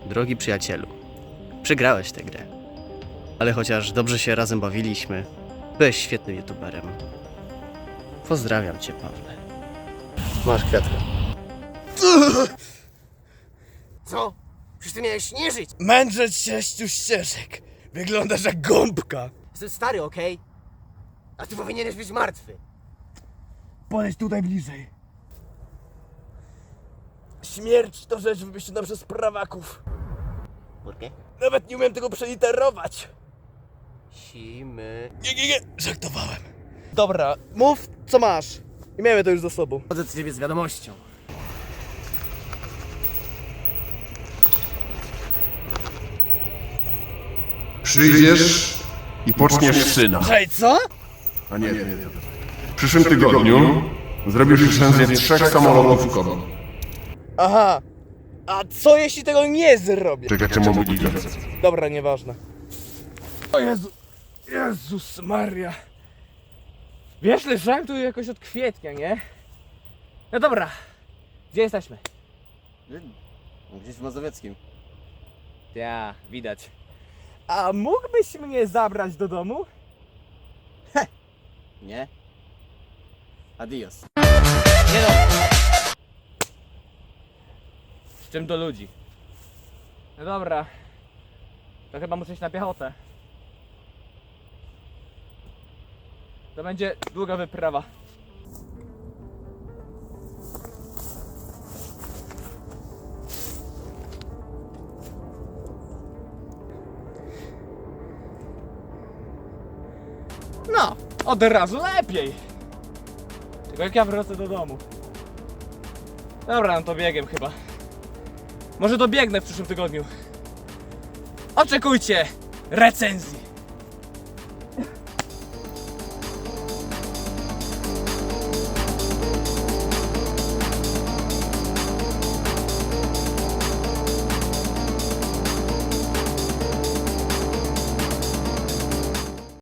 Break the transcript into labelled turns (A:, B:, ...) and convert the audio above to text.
A: Drogi przyjacielu, przegrałeś tę grę. Ale chociaż dobrze się razem bawiliśmy, byłeś świetnym youtuberem. Pozdrawiam cię, Pawle. Masz kwiatkę.
B: Co? Przecież ty miałeś nie żyć.
C: Mędrzeć 6 ścieżek. Wyglądasz jak gąbka.
B: Jestem stary, okej? A ty powinieneś być martwy.
C: Podejdź tutaj bliżej. Śmierć to rzecz wymyślona przez prawaków.
B: Burkę?
C: Nawet nie umiem tego przeliterować.
B: Simy.
C: Nie, żartowałem. Dobra, mów co masz. I miejmy to już za sobą.
B: Chodzę do ciebie z wiadomością.
D: Przyjdziesz i poczniesz syna.
C: Hej, co?
D: A nie. W przyszłym tygodniu zrobisz recenzję 3 samolotów KOM.
C: Aha. A co jeśli tego nie zrobię?
D: Czekacie mobilizację.
C: Dobra, nieważne. O Jezu. Jezus Maria. Wiesz, leżałem tu jakoś od kwietnia, nie? No dobra. Gdzie jesteśmy?
B: Gdzieś w Mazowieckim.
C: Ja, widać. A mógłbyś mnie zabrać do domu?
B: Nie? Adios.
C: Nie no. Z czym do ludzi? No dobra. To chyba muszę iść na piechotę. To będzie długa wyprawa. No, od razu lepiej. Tylko jak ja wrócę do domu. Dobra, no to biegiem chyba. Może dobiegnę w przyszłym tygodniu. Oczekujcie recenzji.